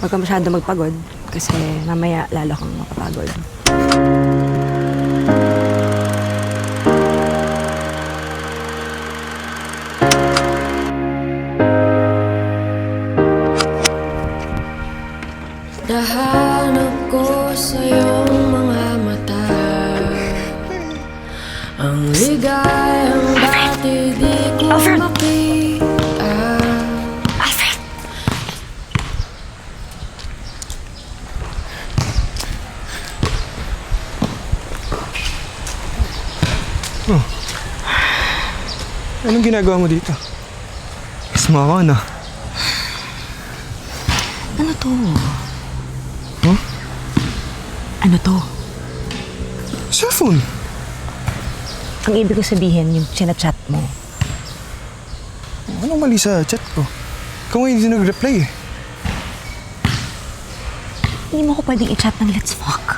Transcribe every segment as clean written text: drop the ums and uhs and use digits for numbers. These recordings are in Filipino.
Huwag ka masyado magpagod kasi mamaya lalo kang mapapagod. Nahanap ko sa iyong mga mata ang ligayang dati di ko makita. Alfred! Oh. Anong ginagawa mo dito? Sumama na. Ano to? Huh? Ano to? Cellphone. Ang ibig ko sabihin, yung sinachat mo. Anong mali sa chat ko? Ikaw nga hindi nag-reply eh. Hindi mo ko pwedeng i-chat ng let's fuck.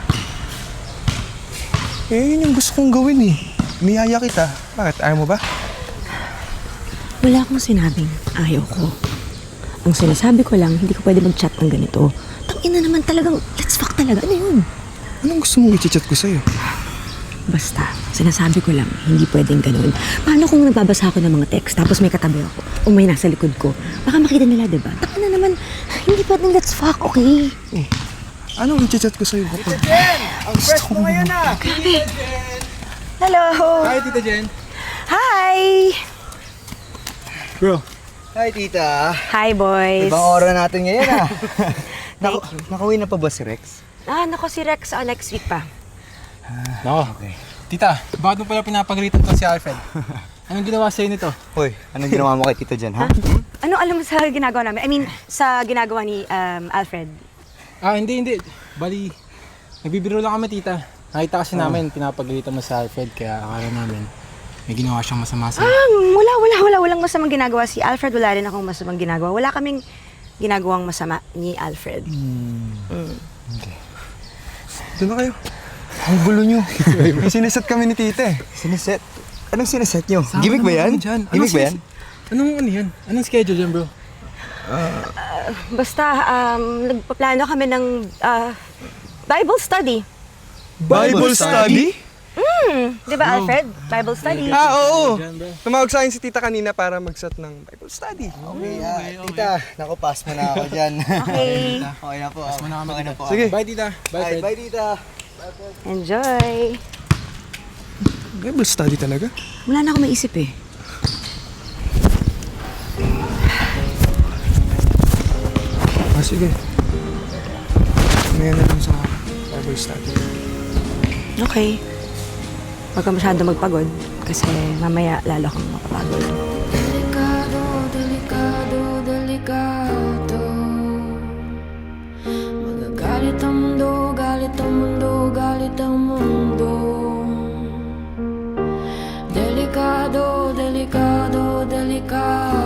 Eh, yun yung gusto kong gawin eh. Niyaya kita. Bakit? Ayaw mo ba? Wala akong sinabing ayaw ko. Ang sinasabi ko lang, hindi ko pwede mag-chat ng ganito. Tangina naman talagang let's fuck talaga. Ano yun? Anong gusto mong i-chat ko sa'yo? Basta, sinasabi ko lang, hindi pwedeng ganun. Paano kung nagbabasa ako ng mga text, tapos may katabi ako, o may nasa likod ko? Baka makita nila, diba? Taka na naman, hindi pwedeng let's fuck, okay? Eh, anong i-chat ko sa'yo kapag... Tita Jen! Ang fresh mo ngayon ah! Grabe. Hello! Hi, Tita Jen! Hi! Bro, Hi, Tita! Hi, boys! Ibang oras natin ngayon ah! Nakauwi na pa ba si Rex? Nako si Rex, next week pa. Nako. Tita, bakit mo pala pinapagalitan to si Alfred? Anong ginawa sa'yo nito? Hoy, anong ginawa mo kay Tita Jen, ha? Ano alam mo sa ginagawa namin? I mean, sa ginagawa ni Alfred? Hindi. Bali, nagbibiro lang kami, tita. Nakita kasi namin, pinapagalitan mo si Alfred, kaya akala namin may ginawa siyang masama sa'yo. Walang masamang ginagawa si Alfred. Wala rin akong masamang ginagawa. Wala kaming ginagawang masama ni Alfred. okay. Doon na kayo. Ang gulo nyo. May sineset kami ni tita eh. Siniset? Anong siniset nyo? Sama Gimmick ba naman yan? kami dyan. Gimmick ba yan? Ano yan? Anong schedule yan, bro? Basta, nagpaplano kami ng Bible study. Bible study? Di ba, Alfred? Bible study. Oo. Dyan, bro. Tumawag sa akin si tita kanina para mag-set ng Bible study. Okay, Tita, naku, pass mo na ako dyan. Okay. Okay na po. Pass mo na kami Okay na dito. po. Sige. Bye, tita. Bye, Bye, Fred. bye, Tita. Enjoy. Bible study talaga? Wala na akong maisip eh. Sige. Mamaya na lang sa Bible study. Okay. Huwag ka masyado magpagod kasi mamaya lalo kang mapapagod. Delikado, delikado, delikado. Magagalit ang mundo, galit ang mundo, galit ang mundo. Delikado, delikado, delikado.